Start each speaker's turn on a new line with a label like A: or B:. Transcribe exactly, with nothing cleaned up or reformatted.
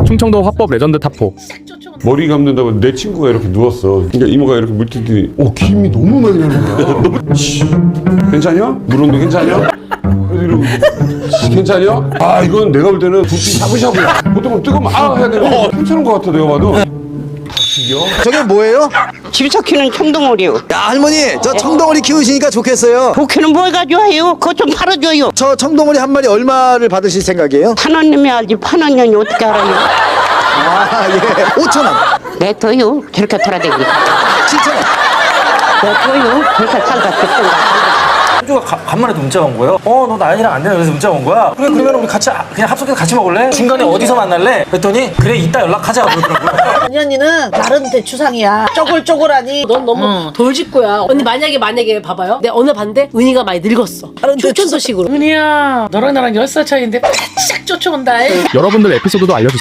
A: 충청도 화법 레전드 타포.
B: 머리 감는다고 내 친구가 이렇게 누웠어. 그러니까 이모가 이렇게 물티더니 어 김이 너무 많이 나는 거야. 너무 씨, 괜찮냐? 물온도 괜찮냐? 그래서 이러고 씨, 괜찮냐? 아 이건 내가 볼 때는 두피 샤브샤브야. 보통 뜨거우면 아 해야 되는데 괜찮은 것 같아 내가 봐도.
C: 저게 뭐예요?
D: 집에서 키우는 청동오리요.
C: 야 할머니 저 청덩어리 키우시니까 좋겠어요.
D: 도끼는 뭘 가져와요? 그거 좀 팔아줘요.
C: 저 청덩어리 한 마리 얼마를 받으실 생각이에요?
D: 판원님이 알지 판원년이 어떻게 알아요?
C: 아예 오천 원,
D: 내둬요. 저렇게 돌아다니고.
C: 칠천 원.
D: 내둬요. 저렇게 살다 죽던가.
E: 형주가 가- 간만에 또 문자가 온 거예요. 어, 너 나연이랑 안 되나? 그래서 문자가 온 거야. 그래, 그러면 우리 같이, 아, 그냥 합석해서 같이 먹을래? 중간에 어디서 만날래? 그랬더니, 그래, 이따 연락하자. 그러더라고요.
F: 언니 언니는 나름 대추상이야. 쪼글쪼글하니.
G: 넌 너무 돌직구야. 언니 만약에 만약에 봐봐요. 내가 어느 반대 은희가 많이 늙었어. 촌촌도식으로. 은희야, 너랑 나랑 열 살 차이인데 바짝 쫓아온다.
A: 여러분들 에피소드도 알려주세요.